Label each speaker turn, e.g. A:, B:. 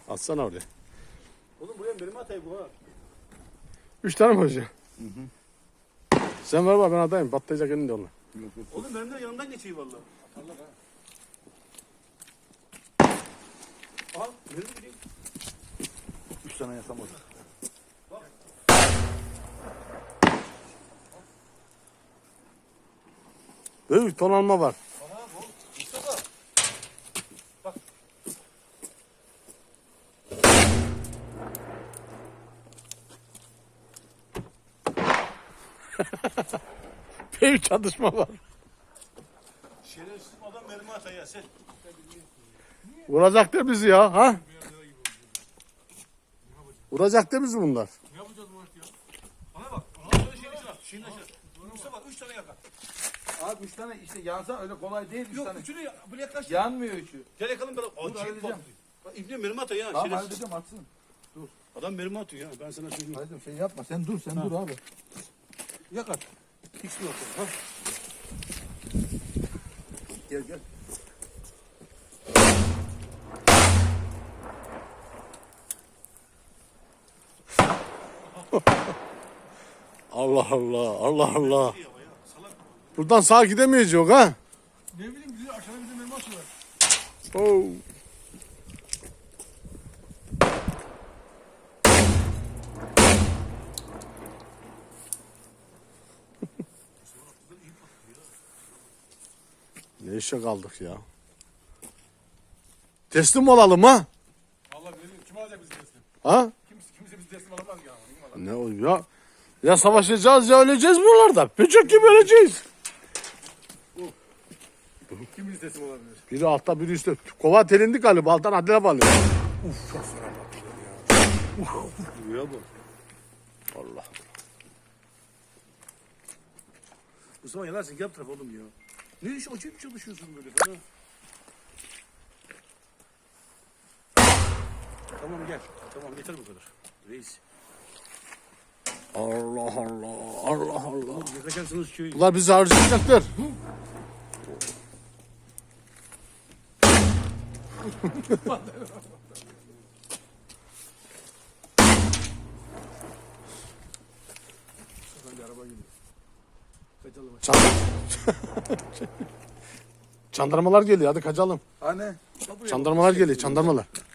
A: Atsana oraya.
B: Oğlum buraya benim atayım bu ha.
A: 3 tane mi hocam? Sen ver bak ben atayım. Patlayacak elinde onlar.
B: Oğlum benim de yanından geçeyim valla. Atarlar ha. Aha nereye gideyim?
C: 3 tane yasam oldu.
A: Büyük ton alma var.
B: Aha bu. Mustafa. Bak.
A: Büyük çatışma var.
B: Şerefsiz adam mermi atay ya sen.
A: Vuracak da bizi ya. Ha? Vuracak da bizi bunlar.
B: Ne yapacağız bu vakti ya? Bana bak. Aha şöyle şeyin içine at. Şeyin içine. Mustafa 3 tane yakar.
C: Abi 3 tane işte yansa öyle kolay değil 3
B: Yok
C: tane.
B: üçünü böyle yaklaş.
C: Yanmıyor üçü.
B: Gel yakalım beraber.
C: Dur, halledeceğim.
B: Bak İbni mermi atay ya.
C: Tamam
B: Şerefsiz.
C: halledeceğim atsın.
B: Adam mermi atıyor ya. Ben sana söyleyeyim.
C: Halledeceğim şey yapma sen dur dur abi.
B: Yakar. Hiç mi yok? Ha?
C: Gel gel.
A: Allah Allah. Allah Allah.
B: Ya, salak.
A: Buradan sağa gidemeyecek ha.
B: Ne bileyim bizi aşağıda bize mermi atıyorlar.
A: Oo. Ne işe kaldık ya? Teslim olalım ha?
B: Vallahi benim kim alacak bizi teslim?
A: Ha?
B: Kimse bizi teslim alamaz ya.
A: Ne o ya? Ya savaşacağız ya öleceğiz buralarda. Böcek gibi öleceğiz.
B: Kim bizi teslim olabilir?
A: Biri altta biri üstte. Kova telindi galiba alttan adile bağlıyor.
B: Uf çok fena patlıyor ya. Ya bu.
A: Allah.
B: Mustafa yanarsın yap taraf oğlum ya. Ne iş acayip çalışıyorsun böyle falan. Tamam gel. Tamam yeter bu kadar. Reis.
A: Allah Allah. Allah Allah.
B: Yakacaksınız köyü.
A: Bunlar bizi harcayacaklar.
B: Hadi araba gidiyor. Kaçalım.
A: Çandarmalar geliyor hadi kaçalım.
C: Hani?
A: Çandarmalar geliyor çandarmalar.